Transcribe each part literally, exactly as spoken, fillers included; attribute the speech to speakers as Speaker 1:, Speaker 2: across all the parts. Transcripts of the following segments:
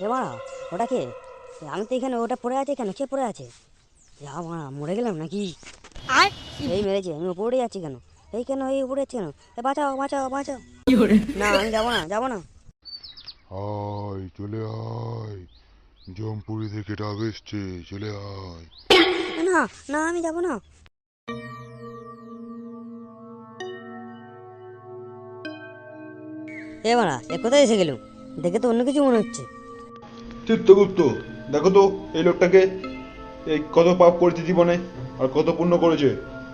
Speaker 1: এ মারা, ওটা কে? আমি তো এখানে, ওটা পড়ে আছে কেন? কে পড়ে আছে? যা মারা, মরে গেলাম নাকি? এই মেরেছে, আমি উপরে যাচ্ছি কেন? এই কেন, এই উপরে যাচ্ছি কেন? এ বাঁচাও বাঁচাও বাঁচাও! না, আমি যাবো না, যাবো না।
Speaker 2: আয় চলে আয়, জমপুরি থেকে ডাক এসছে, চলে আয়।
Speaker 1: না না, আমি যাবো না। এ মারা, এ কোথায় এসে গেল? দেখে তো অন্য কিছু মনে হচ্ছে।
Speaker 3: চিত্রগুপ্ত, দেখো তো এই লোকটাকে, এই কত পাপ করেছে জীবনে আর কত পুণ্য করেছে।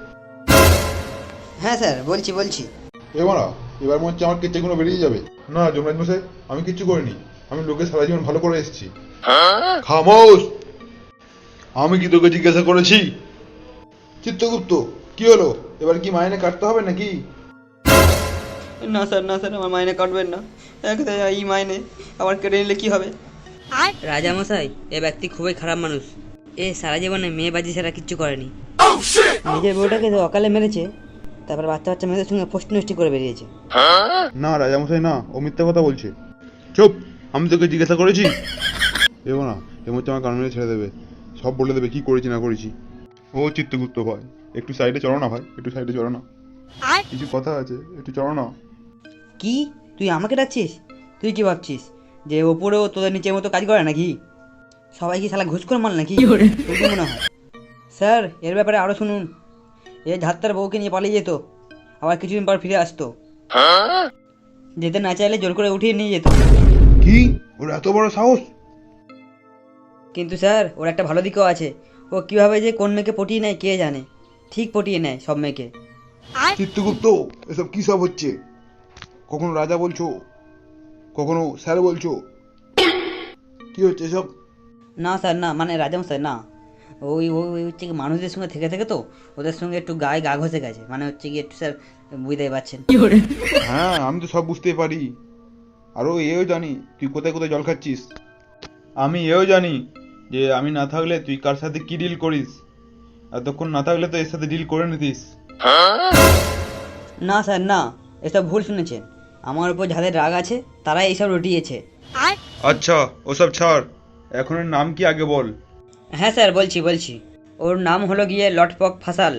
Speaker 4: হ্যাঁ স্যার, বলছি বলছি
Speaker 3: এবারা এবার মনে হচ্ছে আমার কেচ্চাগুলো বেরিয়ে যাবে। না যমরাজ মশাই, আমি কিচ্ছু করিনি। আমি লোকের সারা জীবন ভালো করে এসেছি। খামোশ! আমি কি তোকে জিজ্ঞাসা করেছি? চিত্রগুপ্ত, কি হলো? এবার কি মাইনে কাটতে হবে নাকি?
Speaker 4: না স্যার, না স্যার, আমার মাইনে কাটবেন না। এক- এই মাইনে আবার কেটে নিলে কি হবে? রাজামশাই, এ ব্যক্তি খুবই খারাপ মানুষ। এ সারা জীবনে মেয়ে বাজি ছাড়া কিচ্ছু করেনি। নিজের বউটাকে তো অকালে মেরেছে, তারপর বাচ্চা বাচ্চা মেয়েদের সঙ্গে পোস্ট নষ্টি করে বেরিয়েছে।
Speaker 3: না রাজামশাই, না, ও মিথ্যা কথা বলছে। চুপ! আমি তোকে জিজ্ঞাসা করেছি? এগো না, এর মধ্যে আমার কারণে ছেড়ে দেবে, সব বলে দেবে কি করেছি না করেছি। ও চিত্রগুপ্ত ভাই, একটু সাইডে চলো না ভাই, একটু সাইডে চলো না, কিছু কথা আছে, একটু চলো না।
Speaker 4: কি, তুই আমাকে ডাকছিস? তুই কি ভাবছিস যে ওপরেও তোদের নিচের মতো কাজ করে নাকি? সবাই কি শালা ঘুষ করে মাল নাকি? তোর কি মনে হয়? স্যার, এর ব্যাপারে আরও শুনুন। এ ঝাত্তার বউকে নিয়ে পালিয়ে যেত, আবার কিছুদিন পর ফিরে আসতো। যেতে না চাইলে জোর করে উঠিয়ে নিয়ে যেত।
Speaker 3: কি, ওর এত বড় সাহস?
Speaker 4: কিন্তু স্যার, ওর একটা ভালো দিকও আছে। ও কীভাবে যে কোন মেয়েকে পটিয়ে নেয় কে জানে। ঠিক পটিয়ে নেয় সব মেয়েকে।
Speaker 3: চিত্রগুপ্ত, এসব কি সব হচ্ছে? কখনো রাজা বলছো, কখনো স্যার বলছো, কি হচ্ছে এসব?
Speaker 4: না স্যার, না, মানে রাজামশাই না, ওই ওই ওই হচ্ছে কি মানুষদের সঙ্গে থেকে থেকে তো ওদের সঙ্গে একটু গায়ে গা ঘষে গেছে, মানে হচ্ছে কি একটু স্যার, বুঝতেই পারছেন।
Speaker 3: হ্যাঁ, আমি তো সব বুঝতেই পারি। আরও এও জানি তুই কোথায় কোথায় জল খাচ্ছিস। আমি এও জানি যে আমি না থাকলে তুই কার সাথে কি ডিল করিস। এতক্ষণ না থাকলে তো এর সাথে ডিল করে নিতিস।
Speaker 4: না স্যার, না, এসব ভুল শুনেছেন। আমার উপর যাদের রাগ আছে তারাই এইসব রটিয়েছে।
Speaker 3: আচ্ছা, ওসব ছাড়, এখন এর নাম কি আগে বল।
Speaker 4: হ্যাঁ স্যার, বলছি বলছি ওর নাম হলো গিয়ে লটপক ফাসাল।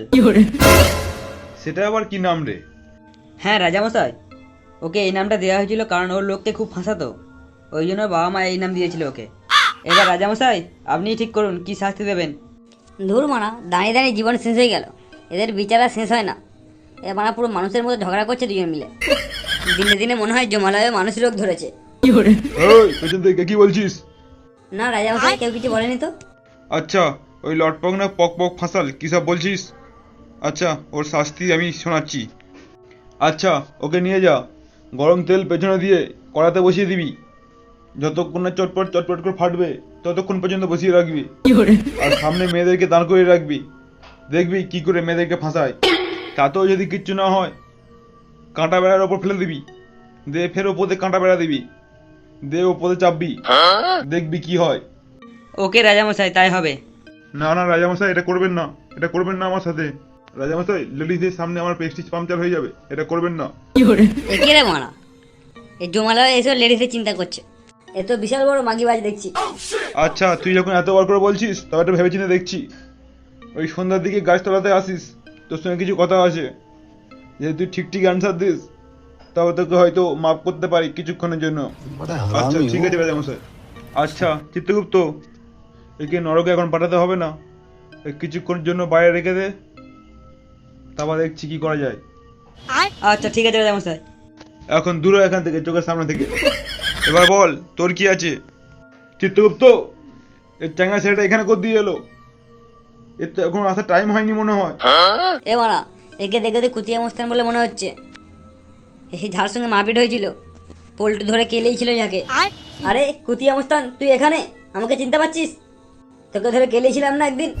Speaker 3: সেটা আবার কি নাম রে?
Speaker 4: হ্যাঁ রাজামশাই, ওকে এই নামটা দেওয়া হয়েছিল কারণ ওর লোককে খুব ফাঁসাতো, ওই জন্য বাবা মা এই নাম দিয়েছিল ওকে। এবার রাজামশাই, আপনিই ঠিক করুন কি শাস্তি দেবেন।
Speaker 1: ধুর মারা, দাঁড়িয়ে দাঁড়িয়ে জীবন শেষ হয়ে গেল। এদের বিচার আর শেষ হয় না। এ মারা পুরো মানুষের মতো ঝগড়া করছে দুজন মিলে। দিনে দিনে মনে হয় জমালয়ে মানুষ রোগ ধরেছে।
Speaker 3: ওই পেছন থেকে কি বলছিস?
Speaker 1: না রাজামশাই, কেউ কিছু বলেনি তো।
Speaker 3: আচ্ছা, ওই লটপক না পক পক ফাঁসাল কি সব বলছিস? আচ্ছা, ওর শাস্তি আমি শোনাচ্ছি। আচ্ছা, ওকে নিয়ে যা, গরম তেল পেছনে দিয়ে কড়াতে বসিয়ে দিবি। যতক্ষণ না চটপট চটপট করে ফাটবে ততক্ষণ পর্যন্ত বসিয়ে রাখবি। আর সামনে মেয়েদেরকে দাঁড় করে রাখবি, দেখবি কি করে মেয়েদেরকে ফাঁসায়। তাতেও যদি কিচ্ছু না হয়, কাঁটা বেড়ার ওপর ফেলে দিবি, দিয়ে ফের ওপরে কাঁটা বেড়া দিবি, দিয়ে ওপরে চাপবি, দেখবি কি হয়।
Speaker 4: ওকে রাজামশাই, তাই হবে।
Speaker 3: না না রাজামশাই, এটা করবেন না, এটা করবেন না আমার সাথে। রাজামশাই, লেডিসদের সামনে আমার প্রেস্টিজ পাংচার হয়ে যাবে, এটা করবেন না।
Speaker 1: একে রে মারা, এই জমালয়ে এসব লেডিসের চিন্তা করছে। এ তো বিশাল বড় মাগিবাজ দেখছি।
Speaker 3: আচ্ছা, তুই যখন এত বার করে বলছিস তবে একটা ভেবেচিন্তে দেখছি। ওই সন্ধ্যার দিকে গাছতলাতে আসিস, তোর সঙ্গে কিছু কথা আছে। যদি তুই ঠিক ঠিক অ্যান্সার দিস তবে তোকে হয়তো মাফ করতে পারি কিছুক্ষণের জন্য। আচ্ছা ঠিক আছে রাজামশাই। আচ্ছা চিত্রগুপ্ত, একে নরকে এখন পাঠাতে হবে না, এই কিছুক্ষণের জন্য বাইরে রেখে দে, তারপর দেখছি কি করা যায়।
Speaker 4: আচ্ছা ঠিক আছে রাজামশাই।
Speaker 3: এখন দূর হ এখান থেকে, চোখের সামনে থেকে। এবার বল, তোর কি আছে? চিত্রগুপ্ত, এই চ্যাংড়া ছেলেটা এখানে কোথা দিয়ে এলো? এর তো এখন আসার টাইম হয়নি মনে হয়।
Speaker 1: এ মারা, একে দেখে তো কুতিয়া মস্তান বলে মনে হচ্ছে। এই যার সঙ্গে মারপিট হয়েছিল, পোল্টু ধরে কেলেই ছিল যাকে। আরে কুতিয়া মস্তান, তুই এখানে? আমাকে চিনতে পারছিস? তোকে ধরে কেলেছিলাম না একদিন।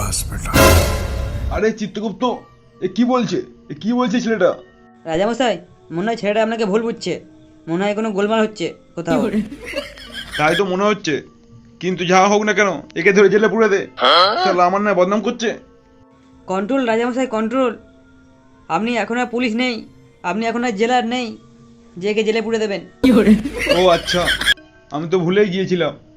Speaker 3: আরে চিত্রগুপ্ত, এ কি বলছে, এ কি বলছে ছেলেটা?
Speaker 4: রাজামশাই, মনে হয় ছেলেটা আপনাকে ভুল বুঝছে, মনে হয় কোনো গোলমাল হচ্ছে কোথাও।
Speaker 3: তাই তো মনে হচ্ছে, কিন্তু যা হোক না কেন একে ধরে জেলে পুরে দে, শালা আমার না বদনাম করছে।
Speaker 4: কন্ট্রোল রাজামশাই, কন্ট্রোল। আপনি এখন আর পুলিশ নেই, আপনি এখন আর জেলার নেই যে একে জেলে পুরে দেবেন।
Speaker 3: ও আচ্ছা, আমি তো ভুলেই গিয়েছিলাম।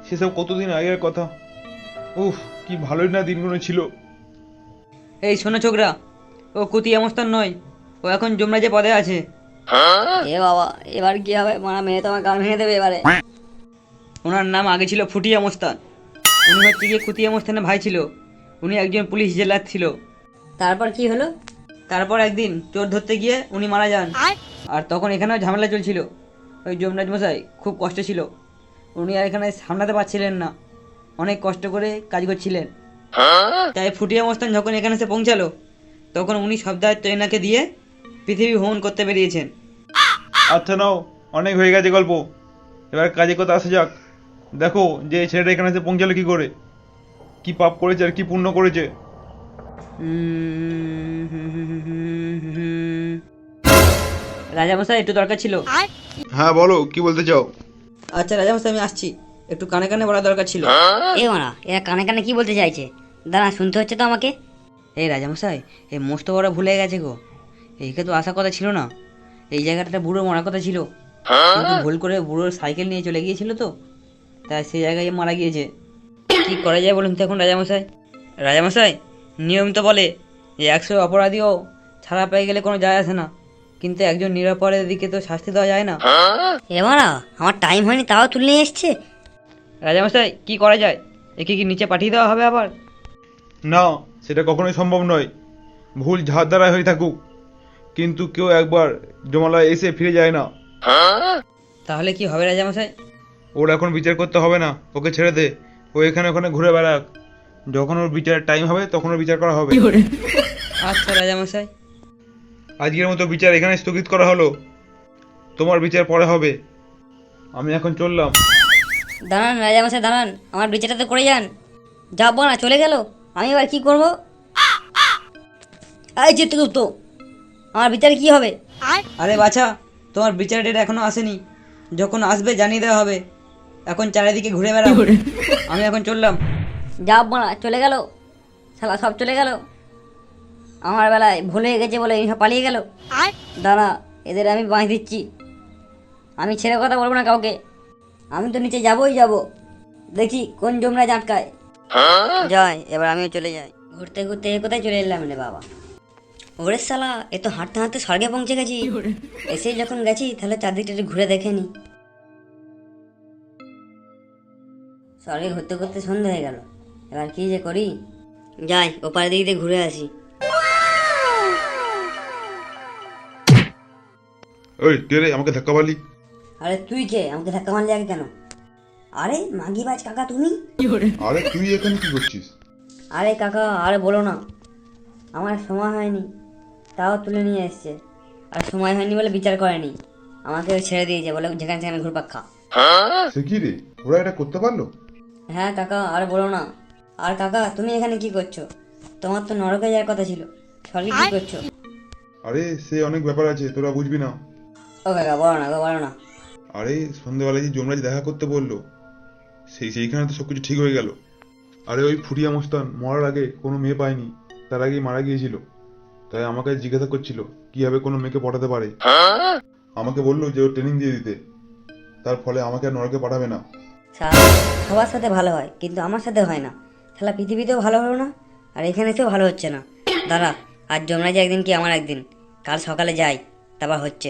Speaker 3: সেসব কতদিন আগের কথা। উফ, কি ভালোই না দিনগুলো ছিল।
Speaker 4: এই শোনো ছোকরা, ও কুতি আমস্তান নয়, ও এখন যমরাজে পদে আছে।
Speaker 1: এ বাবা, এবার কি হবে? মারা মেয়ে তো আমার গান ভেঙে দেবে এবারে।
Speaker 4: ওনার নাম আগে ছিল ফুটিয়া মোস্তান। উনি হচ্ছে গিয়ে কুতিয়া মোস্তানের ভাই ছিল। উনি একজন পুলিশ জেলার ছিল।
Speaker 1: তারপর কি হলো?
Speaker 4: তারপর একদিন চোর ধরতে গিয়ে উনি মারা যান। আর তখন এখানেও ঝামেলা চলছিল। ওই যমরাজ মশাই খুব কষ্ট ছিল। উনি আর এখানে সামলাতে পারছিলেন না, অনেক কষ্ট করে কাজ করছিলেন। তাই ফুটিয়া মোস্তান যখন এখানে এসে পৌঁছালো, তখন উনি সব দায়িত্ব এনাকে দিয়ে পৃথিবী ভ্রমণ করতে বেরিয়েছেন।
Speaker 3: আচ্ছা নাও, অনেক হয়ে গেছে গল্প, এবার কাজে কথা আসা যাক। দেখো যে এই ছেলেটা এখানে এসে পৌঁছালো কি করে, কি পাপ করেছে আর কি পুণ্য করেছে।
Speaker 4: রাজামশাই একটু দরকার ছিল।
Speaker 3: হ্যাঁ বলো, কি বলতে চাও?
Speaker 4: আচ্ছা রাজামশাই, আমি আসছি, একটু কানে কানে বলা দরকার ছিল।
Speaker 1: এ মারা, এরা কানে কানে কি বলতে চাইছে? দাঁড়া, শুনতে হচ্ছে তো আমাকে।
Speaker 4: এই রাজামশাই, এই মস্ত বড় ভুলে গেছে গো। এইকে তো আসার কথা ছিল না, এই জায়গাটা বুড়ো মারার কথা ছিল, কিন্তু ভুল করে বুড়োর সাইকেল নিয়ে চলে গিয়েছিল তো, তাই সেই জায়গায় মারা গিয়েছে। কি করা যায় বলুন তো এখন রাজামশাই? রাজামশাই, নিয়ম তো বলে যে একশো অপরাধীও ছাড়া পেয়ে গেলে কোনো যায় আসে না, কিন্তু একজন নিরাপরাধের দিকে তো শাস্তি দেওয়া যায় না।
Speaker 1: এ মারা, আমার টাইম হয়নি তাও তুলে নিয়ে এসছে।
Speaker 4: রাজামশাই, কি করা যায়? একে কি নিচে পাঠিয়ে দেওয়া হবে আবার?
Speaker 3: না, সেটা কখনোই সম্ভব নয়। ভুল যার দ্বারা হয়ে থাকুক, কিন্তু কেউ একবার জমালয়ে এসে ফিরে যায় না।
Speaker 4: তাহলে কি হবে রাজামশাই?
Speaker 3: ওর এখন বিচার করতে হবে না, ওকে ছেড়ে দে। ও এখানে ওখানে ঘুরে বেড়াক, যখন ওর বিচারের টাইম হবে তখন ওর বিচার করা হবে।
Speaker 4: আচ্ছা রাজামশাই।
Speaker 3: আজকের মতো বিচার এখানে স্থগিত করা হলো, তোমার বিচার পরে হবে। আমি এখন চললাম।
Speaker 1: দাঁড়ান রাজামশাই, দাঁড়ান, আমার বিচারটা তো করে যান। যাবো না, চলে গেল, আমি এবার কি করব? এই চিত্রগুপ্ত, আমার বিচারে কি হবে?
Speaker 4: আরে বাছা, তোমার বিচার ডেট এখনো আসেনি, যখন আসবে জানিয়ে দেওয়া হবে। এখন চারিদিকে ঘুরে বেড়াও। আমি এখন চললাম।
Speaker 1: যাবো না, চলে গেল, শালা সব চলে গেল। আমার বেলায় ভুল হয়ে গেছে বলে এই সব পালিয়ে গেল। দাঁড়া, এদের আমি বাঁশ দিচ্ছি। আমি ছেড়ে কথা বলবো না কাউকে। আমি তো নিচে যাবোই যাব, দেখি কোন জমরা আটকায়। যাই, এবার আমিও চলে যাই। ঘুরতে ঘুরতে এ কোথায় চলে এলাম রে বাবা? ওরে শালা, এ তো হাঁটতে হাঁটতে স্বর্গে পৌঁছে গেছি। এসেই যখন গেছি তাহলে চারদিকটা একটু ঘুরে দেখে নি। স্বর্গে ঘুরতে ঘুরতে সন্ধ্যা হয়ে গেল, এবার কি যে করি। যাই, ওপারে দিক দিয়ে ঘুরে আসি।
Speaker 3: ওই কে রে, আমাকে ধাক্কা মারলি?
Speaker 1: আরে তুই কে? আমাকে ধাক্কা মারলি আগে কেন? আরে মাগিবাজ কাকা তুমি?
Speaker 2: আরে তুই এখানে কি করছিস?
Speaker 1: আরে কাকা, আরে বলো না, আমার সময় হয়নি তাও তুলে নিয়ে এসছে। আর সময় হয়নি বলে বিচার করেনি, আমাকে ছেড়ে দিয়েছে, বলে যেখানে সেখানে ঘুরপাক খা।
Speaker 2: সে কি রে, ওরা এটা করতে পারলো?
Speaker 1: হ্যাঁ কাকা, আর বলো না। আর কাকা, তুমি এখানে কি করছো? তোমার তো নরকে যাওয়ার কথা ছিল, স্বর্গে কি করছো?
Speaker 2: আরে সে অনেক ব্যাপার আছে, তোরা বুঝবি না।
Speaker 1: ও কাকা, বলো না গো, বলো না।
Speaker 2: আরে সন্ধ্যেবেলায় যে যমরাজ দেখা করতে বললো, সেই সেইখানে তো সবকিছু ঠিক হয়ে গেল। আরে ওই ফুটিয়া মস্তান মরার আগে কোনো মেয়ে পায়নি, তার আগেই মারা গিয়েছিল। তাই আমাকে জিজ্ঞাসা করছিল কিভাবে কোনো মেয়েকে পটাতে পারে। আমাকে বললো যে ও ট্রেনিং দিয়ে দিতে, তার ফলে আমাকে আর নরকে পাঠাবে না।
Speaker 1: শালা, সবার সাথে ভালো হয় কিন্তু আমার সাথে হয় না। শালা পৃথিবীতেও ভালো হলো না, আর এখানে এসেও ভালো হচ্ছে না। দাঁড়া, আজ যমরাজ একদিন কি আমার একদিন, কাল সকালে যাই, তারপর হচ্ছে।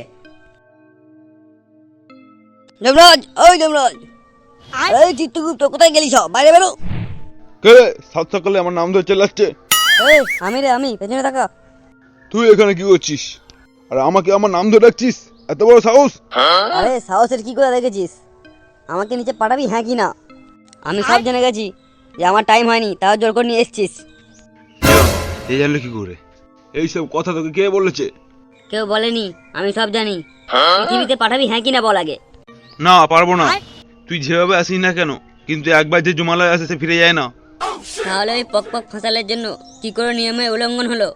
Speaker 1: যমরাজ, ওই যমরাজ, এই চিত্রগুপ্ত, কোথায় গেলি? সব বাইরে বেরো।
Speaker 3: কে রে, সাত সকালে আমার নাম ধরে চেল্লাচ্ছে?
Speaker 1: এই আমি রে, আমি, পেছনে থাকা।
Speaker 3: তুই এখানে কি করছিস আর আমাকে আমার নাম ধরে ডাকছিস? এত বড় সাহস!
Speaker 1: আরে সাহসের কি করে দেখেছিস? আমাকে নিচে পাঠাবি হ্যাঁ কি না? আমি সব জেনে গেছি যে আমার টাইম হয়নি, তাও জোর করে নিয়ে এসছিস।
Speaker 3: এই জানলে কি করে? এইসব কথা তোকে কে বলেছে?
Speaker 1: কেউ বলেনি, আমি সব জানি। পৃথিবীতে পাঠাবি হ্যাঁ কি না বল আগে।
Speaker 3: না, পারবো না। তুই যেভাবে আসিস না কেন, কিন্তু একবার যে জমালয় আসে সে ফিরে যায় না।
Speaker 1: তাহলে ওই পক পক ফাঁসালের জন্য কি করে নিয়মে উল্লঙ্ঘন হলো?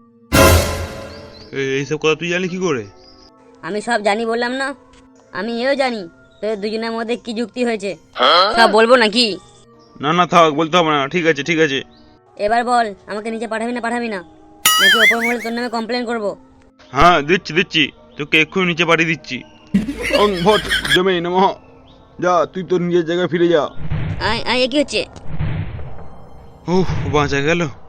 Speaker 3: এই- এইসব কথা তুই জানি কি করে?
Speaker 1: আমি সব জানি বললাম না। আমি এও জানি তোদের দুজনের মধ্যে কি যুক্তি হয়েছে। সব বলবো নাকি?
Speaker 3: না না থাক, বলতে হবে না। ঠিক আছে ঠিক আছে।
Speaker 1: এবার বল, আমাকে নিচে পাঠাবি না পাঠাবি না, নাকি ওপর মহলে তোর নামে কমপ্লেন করবো?
Speaker 3: হ্যাঁ দিচ্ছি দিচ্ছি, তোকে এক্ষুনি নিচে পাঠিয়ে দিচ্ছি। ওং ভট জমে নমঃ। যা, তুই তোর নিজের জায়গায় ফিরে যা।
Speaker 1: আয় আয় এ কি হচ্ছে?
Speaker 3: উহ বাঁচা গেল।